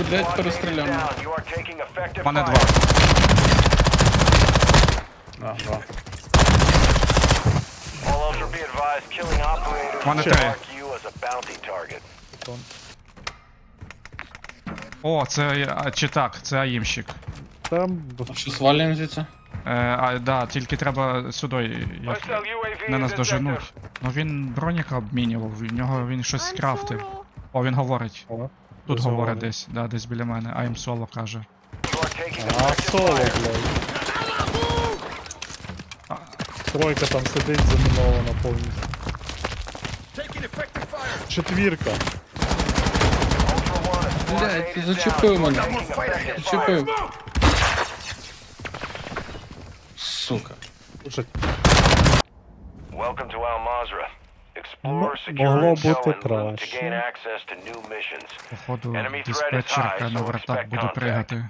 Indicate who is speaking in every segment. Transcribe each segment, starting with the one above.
Speaker 1: блядь, перестріляно.
Speaker 2: У мене 2.
Speaker 3: А, два.
Speaker 2: У мене 3. О, це чи так, це аїмщик.
Speaker 3: Там
Speaker 1: А що, свалюємо звідси?
Speaker 2: Да, тільки треба сюди, як не нас доженуть. Ну він броніка обмінював, в нього він щось скрафтив. О, він говорить.
Speaker 3: О,
Speaker 2: Тут
Speaker 3: десь
Speaker 2: говорить
Speaker 3: говорить.
Speaker 2: десь, да, десь біля мене. I'm соло каже.
Speaker 3: А, соло, блядь. Тройка там сидить замінована повністю. Четвірка.
Speaker 1: Блядь, ти зачепив мене. Зачепив. Сука.
Speaker 3: Слушай,
Speaker 4: Welcome to Al Mazrah. Explore,
Speaker 3: Могло
Speaker 4: secure intel
Speaker 3: бути
Speaker 4: and loot to
Speaker 3: краще.
Speaker 4: gain access to new missions.
Speaker 2: Походу,
Speaker 4: Enemy threat is
Speaker 2: диспетчерка
Speaker 4: high,
Speaker 2: на
Speaker 4: so
Speaker 2: вертак
Speaker 4: expect
Speaker 2: буде
Speaker 4: contact.
Speaker 2: пригати.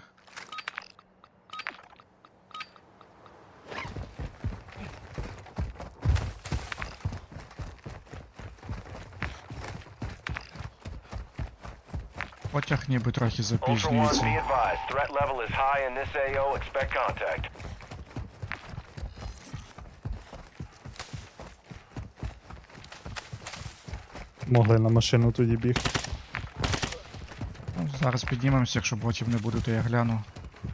Speaker 2: Потяг ніби трохи
Speaker 4: Ultra One, be
Speaker 2: запізнюється.
Speaker 4: advised. Threat level is high in this AO. Expect contact.
Speaker 3: Могли на машину тоді бігти.
Speaker 2: Ну, зараз піднімемося, якщо ботів не буде, то я гляну.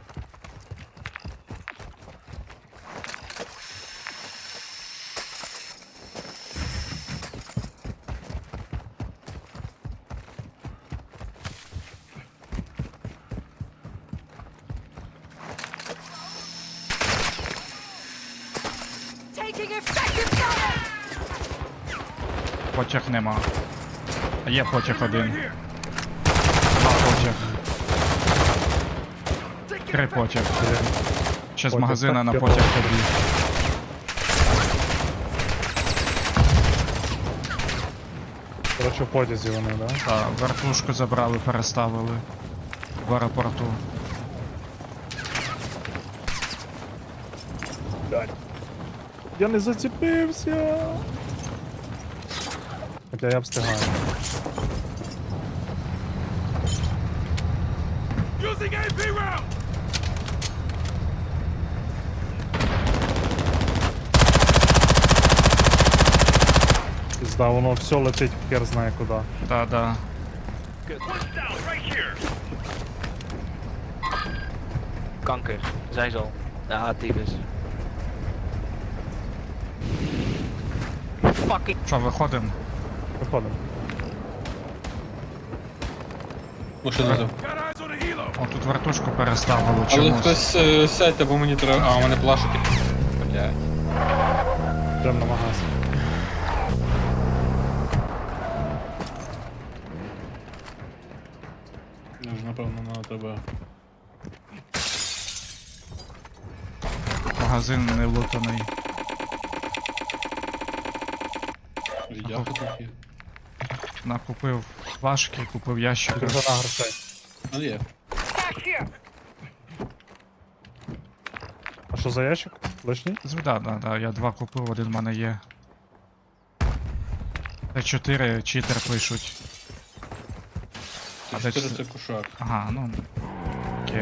Speaker 5: Taking effective fire!
Speaker 2: Потяг нема. А є потяг один. Два потяг. 3 потяг. Ще з
Speaker 3: Потяг
Speaker 2: магазина
Speaker 3: так
Speaker 2: на
Speaker 3: кидав.
Speaker 2: потяг побіг.
Speaker 3: Короче, в потязі вони, да?
Speaker 2: Так, вертушку забрали, переставили в аеропорту.
Speaker 3: Я не зацепився. Хоча я встигаю. Пізда, воно все летить хер знає куди.
Speaker 2: Да.
Speaker 6: Kanker, zij zal. Ja, tyfus. Fucking.
Speaker 2: Що, виходимо?
Speaker 3: Виходимо.
Speaker 1: Машина взяв.
Speaker 2: О, тут вертушку переставили
Speaker 1: Але
Speaker 2: чомусь.
Speaker 1: хтось сядьте, бо мені треба. А, у мене плашики. Блядь.
Speaker 3: Йдемо на магаз.
Speaker 1: Напевно, на тебе.
Speaker 2: Магазин не лутаний.
Speaker 1: Віддяху тут є.
Speaker 2: Накупив плашки, купив ящики.
Speaker 3: Підгона грошей.
Speaker 1: Ну є.
Speaker 3: А що за ящик? Лишній?
Speaker 2: Да, я 2 купив, один в мене є. Т4 читер пишуть. А де
Speaker 1: 4
Speaker 2: це?
Speaker 1: це кушак.
Speaker 2: Ага, ну. Окей.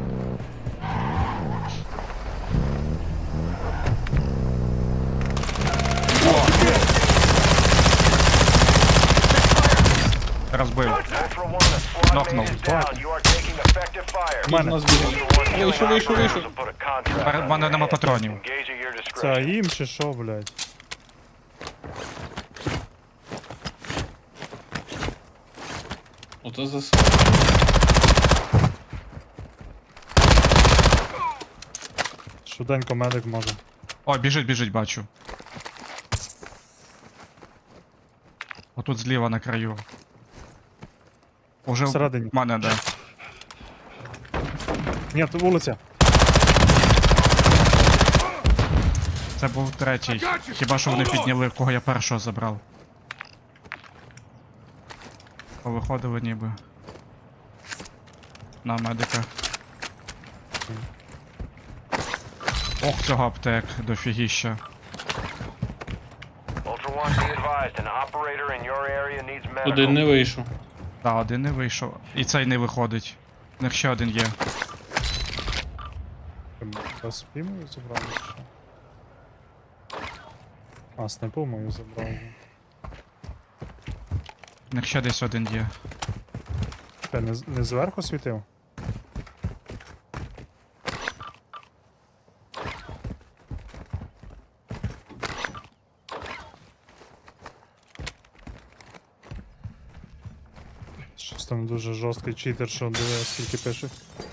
Speaker 2: Розбив.
Speaker 4: Ultra One, a squad
Speaker 2: Knock-knock.
Speaker 4: mate is down. You are taking effective fire.
Speaker 3: У мене.
Speaker 1: Нас біля.
Speaker 4: Ultra One,
Speaker 1: Вийшов,
Speaker 4: killing
Speaker 1: вийшов,
Speaker 4: operators
Speaker 1: вийшов.
Speaker 4: will put a contract
Speaker 2: В мене
Speaker 4: on
Speaker 2: нема
Speaker 4: your head.
Speaker 2: патронів.
Speaker 4: Engage at your
Speaker 3: Це
Speaker 4: discretion.
Speaker 3: їм чи що, блядь?
Speaker 1: Ото за
Speaker 3: Швиденько медик може.
Speaker 2: О, біжить, бачу. Отут зліва на краю. Уже
Speaker 3: Всередині.
Speaker 2: в мене, да.
Speaker 3: Ні, тут вулиця.
Speaker 2: Це був третій. Хіба що вони підняли, кого я першого забрав. Повиходили ніби. На медика. Ох, цього аптек, дофігіща.
Speaker 4: Ultra One, be advised, an operator in your area needs medical.
Speaker 1: Один не вийшов.
Speaker 2: Да, один не вийшов. І цей не виходить. У них ще один є.
Speaker 3: Без спімою забрали чи що? А, снайпу мою забрав.
Speaker 2: У них ще десь один є.
Speaker 3: Ти не зверху світив? Щось там дуже жорсткий читер, що диви, скільки пише.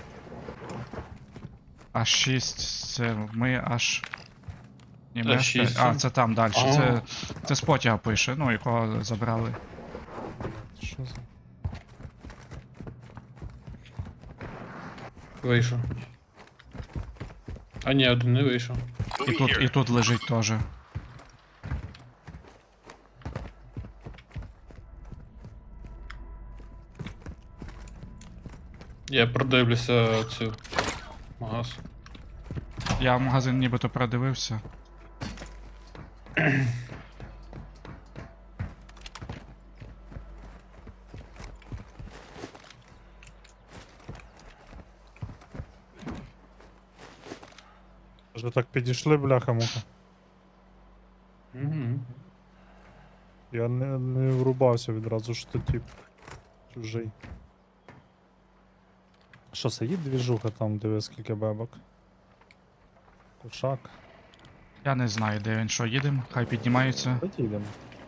Speaker 2: Аж 6, це ми аж. Ні, ми
Speaker 1: Та
Speaker 2: аж
Speaker 1: 6.
Speaker 2: 5. А, це там далі.
Speaker 1: А.
Speaker 2: Це з потяга пише, ну якого забрали.
Speaker 3: Що за...
Speaker 1: Вийшов. А ні, один не вийшов.
Speaker 2: І тут лежить теж.
Speaker 1: Я продивлюся цю магаз.
Speaker 2: Я в магазин нібито продивився.
Speaker 3: Вже так підійшли, бляха-муха.
Speaker 1: Угу.
Speaker 3: Я не врубався відразу, що тип чужий. Що, сидить двіжуха там, диви, скільки бебок. Кушак.
Speaker 2: Я не знаю, де він, що їдемо, хай піднімаються.
Speaker 3: Давайте йдемо.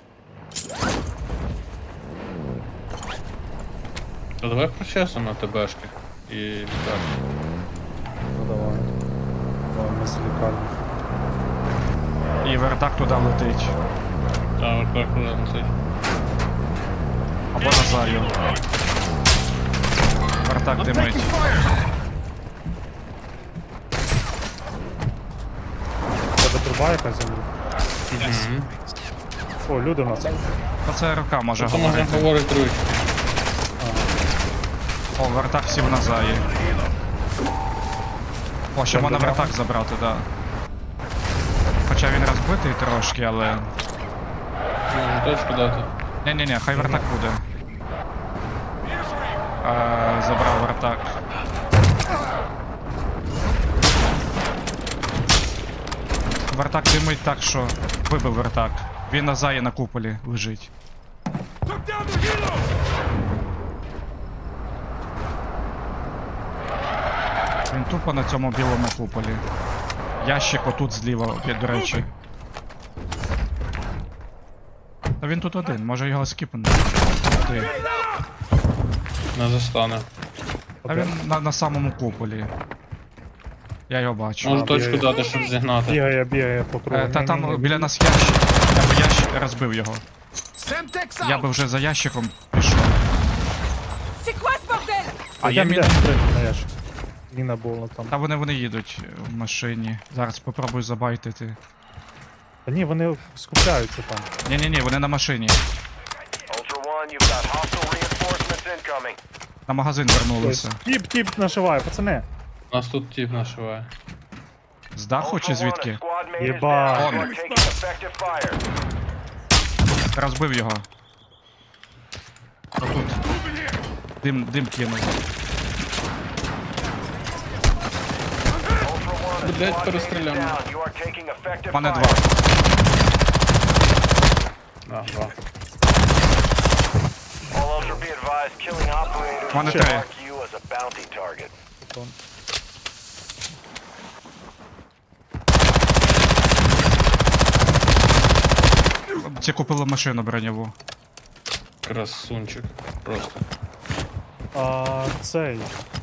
Speaker 1: То давай прочесимо на ТБшки і літати.
Speaker 3: Ну давай. Давай, ми з лікарні.
Speaker 2: І вертак туди летить.
Speaker 1: Та так летить.
Speaker 2: Або на заю. Вертак димить.
Speaker 3: Тебе труба якась землі?
Speaker 1: Угу.
Speaker 3: О, люди в нас.
Speaker 2: Оце рука може
Speaker 1: То можна
Speaker 2: говорити.
Speaker 1: говорити ручки.
Speaker 2: О, вертак сів на заї. О, ще
Speaker 3: Там
Speaker 2: можна
Speaker 3: добре.
Speaker 2: вертак забрати, да. Хоча він розбитий трошки, але.
Speaker 1: Можна точку дати.
Speaker 2: Ні-ні-ні, хай вертак буде. Забрав вертак. Вертак димить так, що вибив вертак. Він на заї на куполі лежить. Він тупо на цьому білому куполі. Ящик отут зліва, до речі. Та він тут один, може його скіпнути. Ти.
Speaker 1: Не застане.
Speaker 2: А він на самому куполі. Я його бачу.
Speaker 1: Можу точку
Speaker 3: бігає.
Speaker 1: дати, щоб зігнати.
Speaker 3: Бігає по кругу.
Speaker 2: Та там
Speaker 3: Ні-ні-ні.
Speaker 2: біля нас ящик. Я би ящик розбив його. Я би вже за ящиком пішов.
Speaker 5: C'est quoi ce bordel?
Speaker 2: А є
Speaker 3: Йдем,
Speaker 2: міна.
Speaker 3: йдем, на ящик. Міна була там.
Speaker 2: Та вони їдуть в машині. Зараз попробую забайтити.
Speaker 3: Та ні, вони скупляються там.
Speaker 2: Ні-ні-ні, вони на машині.
Speaker 4: Ultra One, you've got hostile reinforcements incoming.
Speaker 2: На магазин вернулися.
Speaker 3: Тіп нашиває, пацани.
Speaker 1: Нас тут тіп нашиває.
Speaker 2: З даху чи
Speaker 4: Ultra One, a
Speaker 2: звідки?
Speaker 4: squad mate is
Speaker 3: Єба.
Speaker 4: down. You are taking effective fire.
Speaker 2: Розбив його. Отут. Дим кинув.
Speaker 4: Ultra One, a
Speaker 1: Блядь,
Speaker 4: squad mate is
Speaker 1: перестріляно.
Speaker 4: down. You are taking effective
Speaker 2: У мене
Speaker 4: fire.
Speaker 2: два.
Speaker 1: А, два.
Speaker 4: All Ultra be advised, killing operators
Speaker 2: Мене
Speaker 4: will
Speaker 2: три.
Speaker 4: mark you as a bounty target.
Speaker 2: Ці купили машину броньову.
Speaker 1: Красунчик. Просто.
Speaker 3: А цей.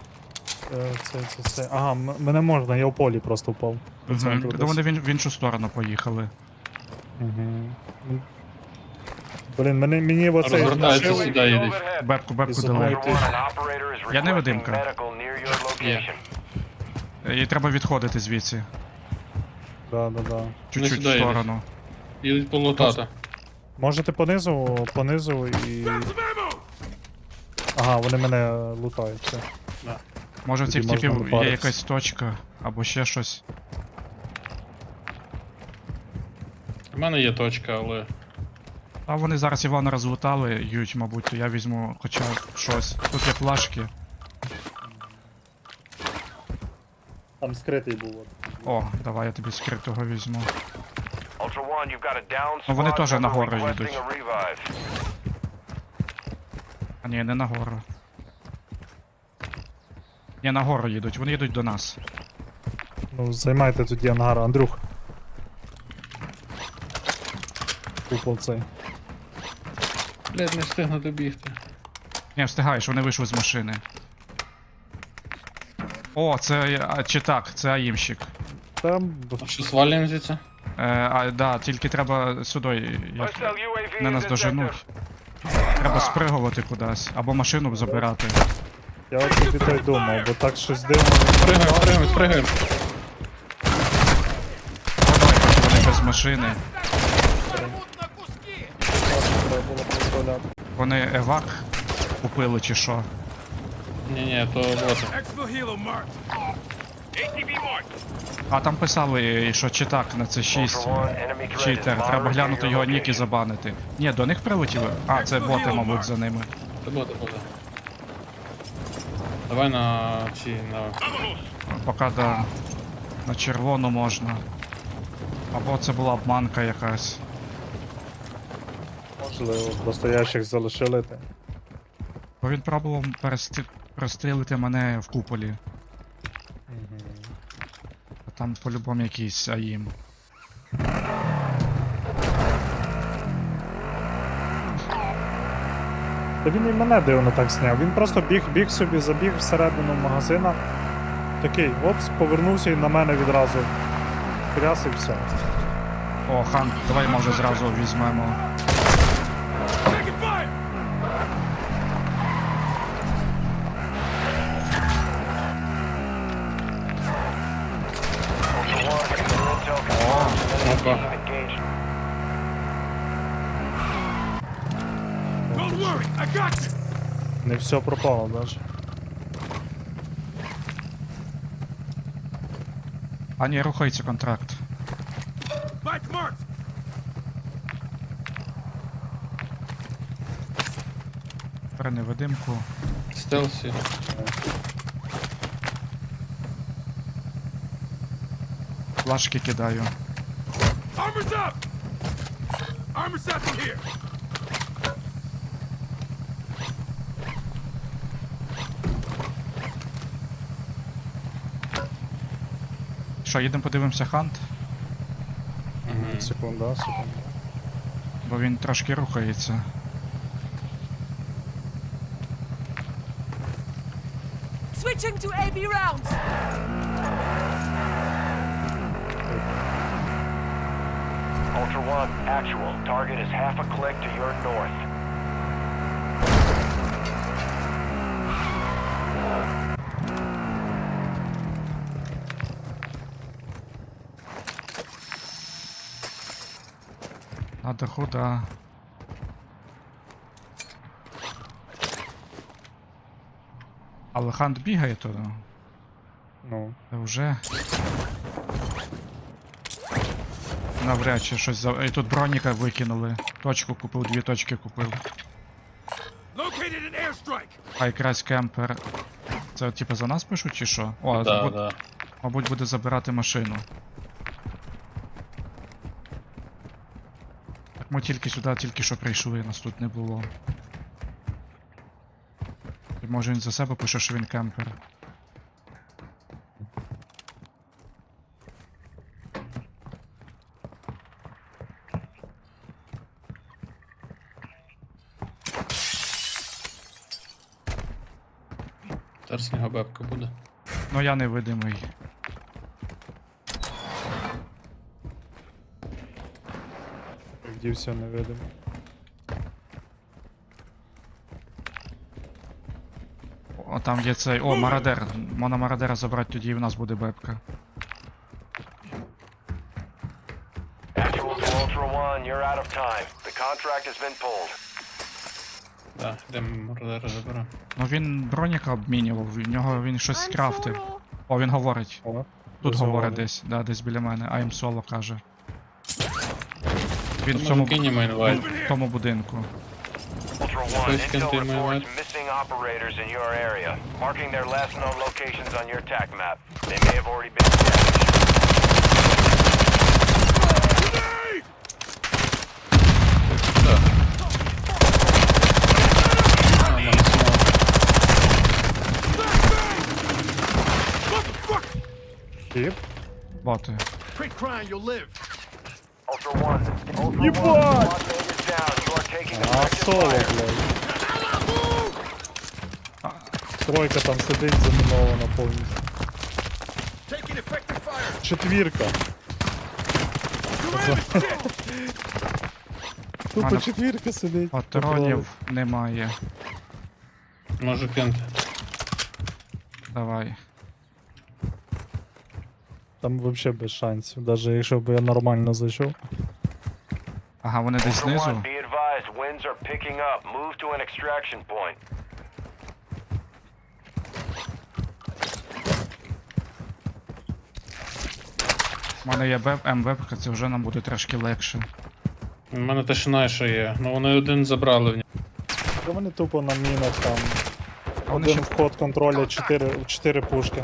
Speaker 3: Це. Ага, мене можна, я в полі просто впав. По центру
Speaker 2: Та вони
Speaker 3: десь.
Speaker 2: в іншу сторону поїхали.
Speaker 3: Мгм. Блін, мені оцей
Speaker 1: Розвертається
Speaker 3: нашив.
Speaker 1: сюди їдуть.
Speaker 4: Overhead.
Speaker 2: Бебку
Speaker 3: Із
Speaker 2: дали.
Speaker 3: одної
Speaker 4: Ultra One, an operator is
Speaker 2: Я не
Speaker 4: requesting
Speaker 2: видимка.
Speaker 4: medical near your location.
Speaker 2: Їй треба відходити звідси.
Speaker 3: Да.
Speaker 2: Чуть-чуть
Speaker 1: сюди
Speaker 2: в
Speaker 1: їдуть.
Speaker 2: сторону.
Speaker 1: Їдуть полутати.
Speaker 3: Можете понизу і. Ага, вони мене лутають. Все.
Speaker 2: Може в
Speaker 3: Тоді
Speaker 2: цих
Speaker 3: можна
Speaker 2: типів є
Speaker 3: напаритись.
Speaker 2: якась точка або ще щось.
Speaker 1: У мене є точка, але.
Speaker 2: А вони зараз Івана розлутали, ють, мабуть, то я візьму хоча б щось. Тут є плашки.
Speaker 3: Там скритий був. От.
Speaker 2: О, давай я тобі скритого візьму.
Speaker 4: Ultra One, you've got a down
Speaker 2: Ну, вони
Speaker 4: squad
Speaker 2: теж
Speaker 4: member
Speaker 2: нагору
Speaker 4: requesting
Speaker 2: їдуть.
Speaker 4: a revive.
Speaker 2: А ні, не нагору. Ні, нагору їдуть, вони їдуть до нас.
Speaker 3: Ну, займайте тоді ангар, Андрюх. Купол цей.
Speaker 1: Блядь, не встигну добігти.
Speaker 2: Ні, встигаєш, вони вийшли з машини. О, це чи так, це аїмщик.
Speaker 3: Там
Speaker 1: А що, свалюємо звідси?
Speaker 2: Да, тільки треба сюди.
Speaker 4: Hostile UAV
Speaker 2: Не
Speaker 4: in
Speaker 2: нас
Speaker 4: this
Speaker 2: доженуть. Треба спригувати кудись, або машину забирати.
Speaker 3: я от собі то й думав, бо так щось дивно.
Speaker 1: Спригаємо.
Speaker 2: Поки вони без машини.
Speaker 3: Треба було дозволяти.
Speaker 2: Вони евак купили чи що.
Speaker 1: Ні, то боти.
Speaker 2: А там писали, що читак на це 6.
Speaker 4: Ultra One, enemy threat is
Speaker 2: Читер, треба
Speaker 4: monitoring
Speaker 2: глянути
Speaker 4: your
Speaker 2: його нік і
Speaker 4: location.
Speaker 2: забанити. Ні, до них прилетіли? А, це боти, мабуть, за ними.
Speaker 1: Це боти. Давай на
Speaker 2: Поки на червону можна. Або це була обманка якась.
Speaker 3: Можливо, просто ящик залишили.
Speaker 2: Бо він пробував прострілити мене в куполі. А там по-любому якийсь АІМ.
Speaker 3: Та він і мене дивно так зняв. Він просто біг собі, забіг всередину магазина. Такий, опс, повернувся і на мене відразу. Кряс і все.
Speaker 2: О, хан, давай може зразу візьмемо.
Speaker 4: Ultra One, your intel confirms enemy
Speaker 1: опа.
Speaker 4: team engaged.
Speaker 3: Не все пропало навіть.
Speaker 2: А ні, рухається контракт. Бери невидимку.
Speaker 1: Стелсі.
Speaker 2: Флашки кидаю. Що, їдемо подивимося хант?
Speaker 3: Секунда.
Speaker 2: Бо він трошки рухається.
Speaker 5: Switching to AB rounds.
Speaker 4: Ultra One, actual. Target is half a click to your north.
Speaker 2: На даху, да. Але хант бігає туди.
Speaker 3: Ну.
Speaker 2: Та вже. Навряд чи щось за. І тут броніка викинули. Точку купив, 2 точки купив. А якраз кемпер. Це типу за нас пишуть чи що? О,
Speaker 1: Да.
Speaker 2: мабуть буде забирати машину. Так ми тільки сюди, тільки що прийшли, нас тут не було. І може він за себе пише, що він кемпер.
Speaker 1: Зараз з нього бебка буде.
Speaker 2: Ну я невидимий.
Speaker 3: Дівся невидимо.
Speaker 2: О, там є цей. О, мародер. Можна мародера забрати, тоді і в нас буде бебка.
Speaker 4: Actual to Ultra One, you're out of time. The contract has been pulled.
Speaker 1: Да, йдемо мордера заберемо.
Speaker 2: Ну він броніка обмінював, в нього він щось скрафтив. О, він говорить.
Speaker 3: О,
Speaker 2: Тут
Speaker 3: дозволено.
Speaker 2: говорить десь, да, десь біля мене. I'm solo каже. Він в
Speaker 1: Тому
Speaker 2: цьому,
Speaker 1: кинемо інвайт.
Speaker 2: в тому будинку.
Speaker 4: Ultra One,
Speaker 1: Please
Speaker 4: intel
Speaker 1: continue,
Speaker 4: reports
Speaker 1: Matt.
Speaker 4: missing operators in your area, marking their last known locations on your TAC map. They may have already been established.
Speaker 3: Тіп.
Speaker 2: Боти.
Speaker 4: Ultra One. Ultra
Speaker 3: Ебать!
Speaker 4: One. Squad mate is down. You are taking
Speaker 3: А
Speaker 4: effective
Speaker 3: соло,
Speaker 4: fire.
Speaker 3: блядь. Тройка там сидить замінована повністю. Четвірка. Тупо
Speaker 2: Мене-
Speaker 3: четвірка сидить.
Speaker 2: Патронів немає.
Speaker 1: Можу кинути.
Speaker 2: Давай.
Speaker 3: Там вообще без шансів, навіть якщо б я нормально зайшов.
Speaker 2: Ага, вони десь
Speaker 4: Ultra One,
Speaker 2: знизу.
Speaker 4: be advised, winds are picking up. Move to an extraction point.
Speaker 2: У мене є МВП, це вже нам буде трошки легше.
Speaker 1: У мене тишина ще є. Ну вони один забрали в нього.
Speaker 3: Та вони тупо на мінах там.
Speaker 2: Вони
Speaker 3: Один
Speaker 2: ще-
Speaker 3: вход контроля, 4 пушки.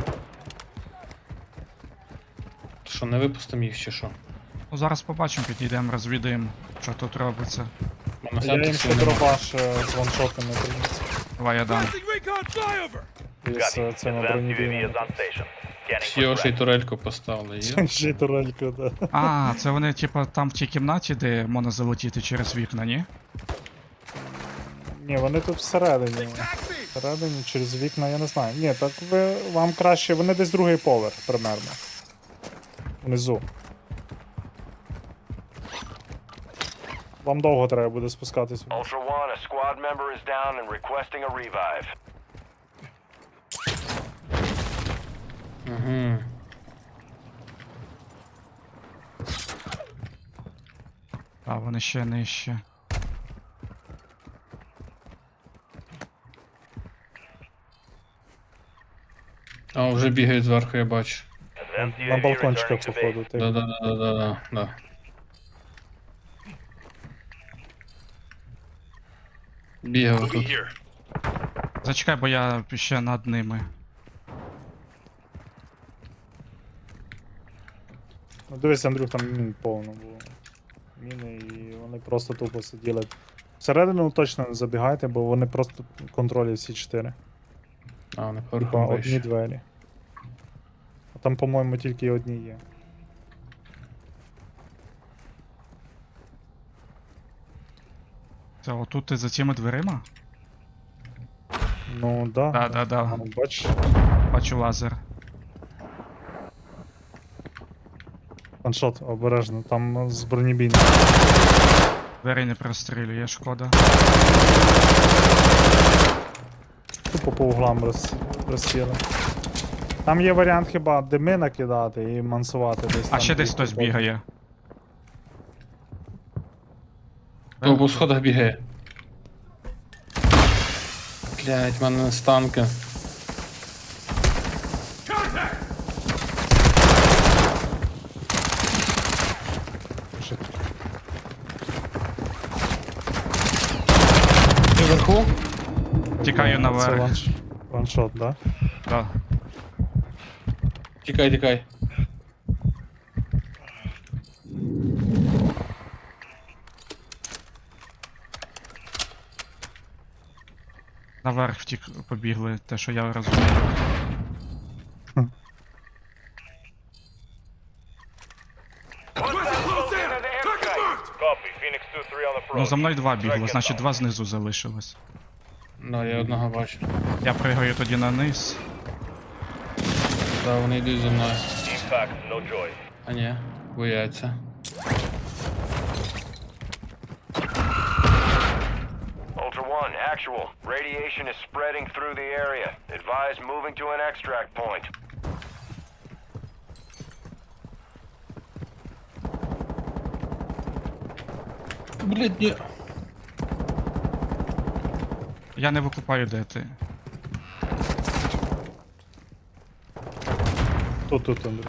Speaker 1: Що, не випустимо їх чи що?
Speaker 2: Ну зараз побачимо, підійдемо, розвідаємо, що тут робиться.
Speaker 1: У мене
Speaker 3: Я їм
Speaker 1: септиксів
Speaker 3: ще
Speaker 1: нема.
Speaker 3: дробаш з ваншотами приніс.
Speaker 2: Давай я дам.
Speaker 3: Із цими бронебійними.
Speaker 1: Всі очі й турельку поставили. Є?
Speaker 3: Ще й турельку, да.
Speaker 2: А, це вони, типа, там в тій кімнаті, де можна залетіти через вікна, ні?
Speaker 3: Ні, вони тут всередині. Всередині, через вікна, я не знаю. Ні, так вам краще, вони десь другий поверх, примерно. Внизу. Вам довго треба буде спускатись. вниз.
Speaker 4: Ultra One, a squad member is down and requesting a revive.
Speaker 1: Угу.
Speaker 2: А, вони ще нижче.
Speaker 1: А, вже бігають зверху, я бачу.
Speaker 3: На балкончиках, походу. ти.
Speaker 1: Да. Бігав тут.
Speaker 2: Зачекай, бо я ще над ними.
Speaker 3: Ну дивись, Андрюх, там мін повно було. Міни і вони просто тупо сиділи. Всередину точно не забігайте, бо вони просто контролюють всі 4.
Speaker 1: А, вони
Speaker 3: Типа
Speaker 1: поверхом
Speaker 3: одні
Speaker 1: вище.
Speaker 3: двері. А там, по-моєму, тільки одні є.
Speaker 2: Це отут ти за цими дверима?
Speaker 3: Ну да.
Speaker 2: Да.
Speaker 3: Ну, бач,
Speaker 2: Бачу лазер.
Speaker 3: ваншот, обережно, там з бронебійним.
Speaker 2: Двері не прострілює, шкода.
Speaker 3: Тупо по углам розсіли. Там є варіант хіба дими накидати і мансувати десь.
Speaker 2: А
Speaker 3: там
Speaker 2: ще десь
Speaker 3: бігти
Speaker 2: хтось
Speaker 3: потім.
Speaker 2: бігає.
Speaker 1: Хто по сходах бігає? Блять, в мене станки. Ти вверху?
Speaker 2: Тікаю
Speaker 3: Це
Speaker 2: наверх.
Speaker 3: ваншот, да?
Speaker 2: Да.
Speaker 1: Тікай.
Speaker 2: Наверх побігли, те, що я розумію.
Speaker 4: Copy. Phoenix 2-3 on the
Speaker 2: Ну за мною два бігло, значить два знизу залишилось.
Speaker 1: Да, я одного бачу.
Speaker 2: Я пригаю тоді на низ.
Speaker 1: Да, вони йдуть за мною.
Speaker 4: Impact, no joy.
Speaker 1: А ні, бояться.
Speaker 4: Ultra One, actual. Radiation is spreading through the area. Advise moving to an extract point.
Speaker 1: Блять, ні.
Speaker 2: Я не викупаю, де ти.
Speaker 3: Тут, Андрій.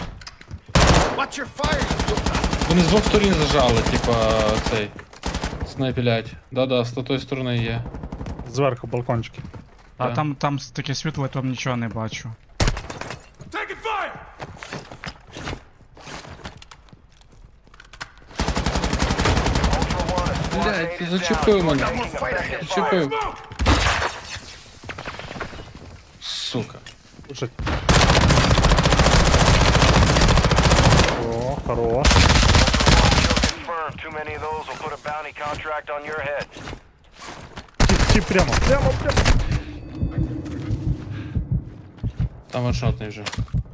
Speaker 1: Вони з двох сторін зажали, типа цей. Снайпілять. Да, з тої сторони є.
Speaker 3: Зверху балкончики.
Speaker 2: А
Speaker 1: Да.
Speaker 2: там таке світло, я там нічого не бачу.
Speaker 5: Taking fire!
Speaker 4: Ultra One, a squad
Speaker 1: Блядь,
Speaker 4: mate
Speaker 1: ти
Speaker 4: is
Speaker 1: зачепив
Speaker 4: down.
Speaker 1: мене.
Speaker 4: Taking effective
Speaker 1: Зачепив.
Speaker 4: fire.
Speaker 1: Сука.
Speaker 3: Слушай. О, хорош.
Speaker 4: Kill confirmed. Too many of those will put a bounty contract on your head.
Speaker 3: Ті прямо. Прямо.
Speaker 1: Там ваншотний вже.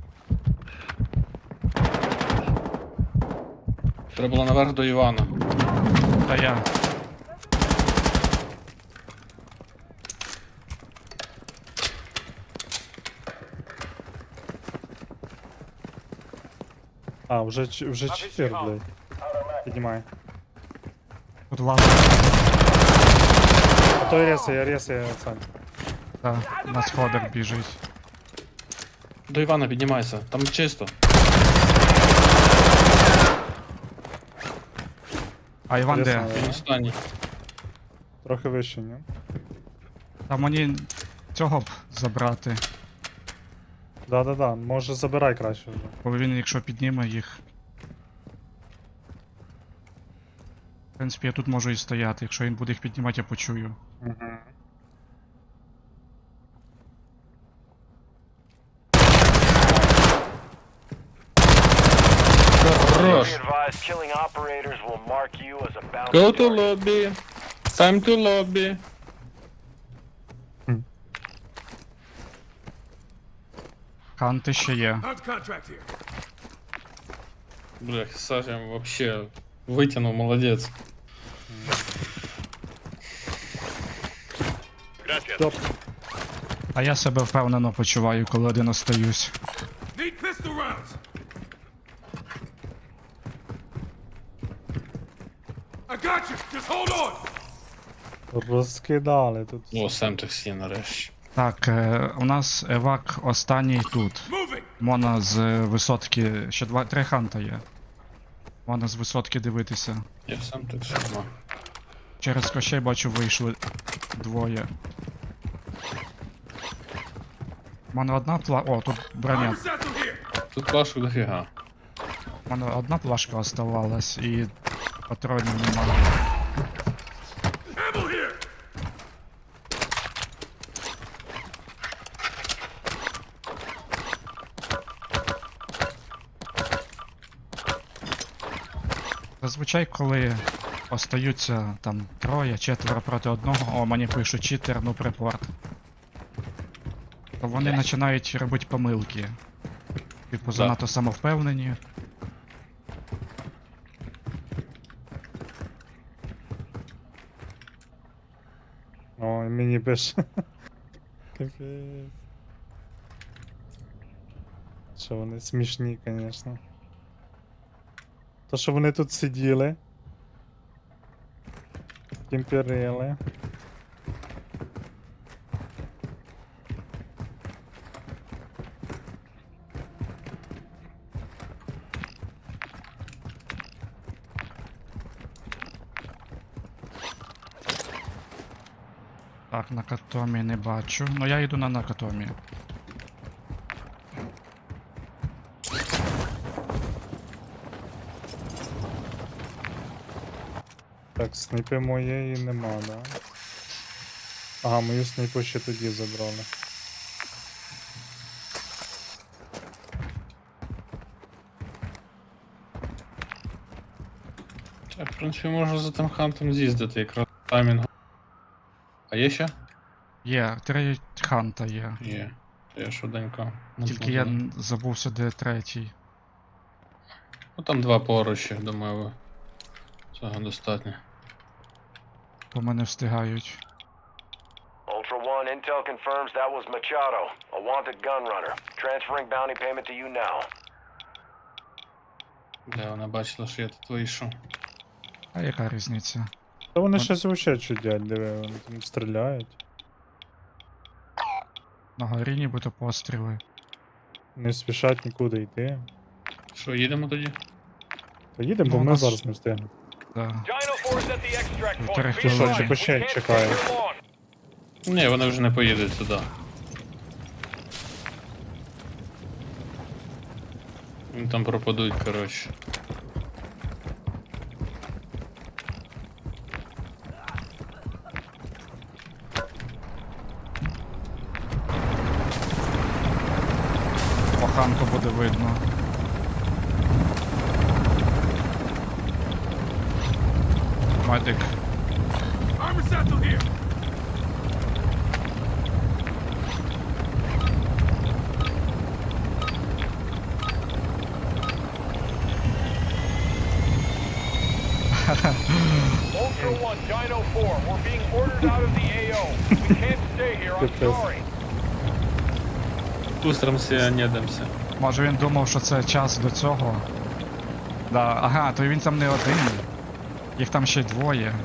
Speaker 1: Треба було наверх до Івана.
Speaker 2: Та я.
Speaker 3: А, вже 4, блядь. Піднімай.
Speaker 2: Тут лава.
Speaker 3: А то ресає, Сань.
Speaker 2: Та, на сходах біжить.
Speaker 1: До Івана піднімайся, там чисто.
Speaker 2: А Іван де?
Speaker 3: Ясно.
Speaker 1: Він останній.
Speaker 3: Трохи вище, ні?
Speaker 2: Та мені цього б забрати.
Speaker 3: Да, може забирай краще вже.
Speaker 2: Бо він, якщо підніме їх. В принципі, я тут можу і стояти. Якщо він буде їх піднімати, я почую.
Speaker 3: Угу.
Speaker 1: Хорош.
Speaker 4: Be advised, killing operators will mark you as a bounty
Speaker 1: Go to
Speaker 4: target.
Speaker 1: lobby. Time to lobby.
Speaker 2: Ханти ще є.
Speaker 5: Hunt contract here.
Speaker 1: Бля, Саша вообще вытянул, молодец.
Speaker 3: Топ.
Speaker 2: А я себе впевнено почуваю, коли один остаюсь.
Speaker 5: Need pistol rounds. I got you. Just hold on.
Speaker 3: Розкидали тут.
Speaker 1: О, сам таксі нарешті.
Speaker 2: Так, у нас евак останній тут.
Speaker 5: Moving.
Speaker 2: Можна з висотки. Ще 3 ханта є. Можна з висотки дивитися.
Speaker 1: Я сам таксі. Ну.
Speaker 2: Через кощей бачу вийшли двоє. У мене одна О, тут броня.
Speaker 5: Armor satchel here.
Speaker 1: Тут плашок дофіга.
Speaker 2: У мене одна плашка оставалась і патронів немає.
Speaker 5: Ammo here.
Speaker 2: Зазвичай, коли остаються там 3-4 проти одного, о, мені пишуть читер, ну припорт. То вони починають робити помилки. Типу, занадто самовпевнені.
Speaker 3: Ой, мені пише. Капець. Що вони смішні, звісно. То, що вони тут сиділи. Кімперили.
Speaker 2: Так, на Катомі не бачу. Ну я йду на Накатомі.
Speaker 3: Так, снайпи моєї нема, да? Ага, мою снайпу ще тоді забрали.
Speaker 1: Так, в принципі, можна за тим хантом з'їздити, якраз таймінг. А є ще?
Speaker 2: Є, 3 ханта є.
Speaker 1: Є. Я швиденько.
Speaker 2: Тільки я забувся, де третій.
Speaker 1: Ну там 2 поруч, я думаю, цього достатньо.
Speaker 2: По мене встигають.
Speaker 4: Ultra One, intel confirms that was Machado, a wanted gun runner. Transferring bounty payment to you now.
Speaker 1: Бля, вона бачила, що я тут вийшов.
Speaker 2: А яка різниця?
Speaker 3: Та вони щось вообще чудять, диви, вони там стріляють.
Speaker 2: На горі нібито постріли.
Speaker 3: Не спішать нікуди йти.
Speaker 1: Що, їдемо тоді?
Speaker 3: Та їдемо,
Speaker 2: Ну,
Speaker 3: бо
Speaker 2: у
Speaker 3: ми
Speaker 2: нас-
Speaker 3: зараз не встигнемо.
Speaker 2: Да.
Speaker 4: Dino Force at the extract
Speaker 2: Півтори
Speaker 4: point. Be
Speaker 2: хвилини.
Speaker 4: advised, we
Speaker 3: Чекай,
Speaker 4: can't
Speaker 3: чекаю.
Speaker 4: stay here long.
Speaker 1: Ні, вони вже не поїдуть сюди. Вони там пропадуть, коротше.
Speaker 2: Оханку буде видно. Медик.
Speaker 5: Armor satchel here.
Speaker 4: Ultra One, Dino 4, we're being ordered out of the AO. We can't stay here, I'm
Speaker 3: Good
Speaker 4: sorry.
Speaker 1: Устромся, не дамся.
Speaker 2: Може він думав, що це час до цього. Да, ага, то він там не один. Їх там ще й двоє.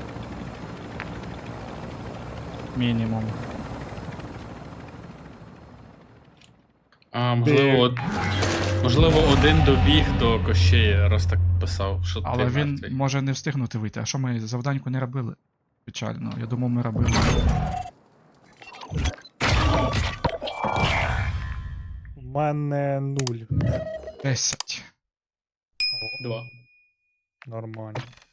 Speaker 2: Мінімум.
Speaker 1: А, можливо, можливо, один добіг до Кощея, раз так писав, що
Speaker 2: Але
Speaker 1: ти
Speaker 2: він
Speaker 1: мертвий.
Speaker 2: може не встигнути вийти. А що ми завданьку не робили? Печально. Я думав, ми робили.
Speaker 3: У мене 0.
Speaker 2: 10.
Speaker 1: Два.
Speaker 3: Нормально.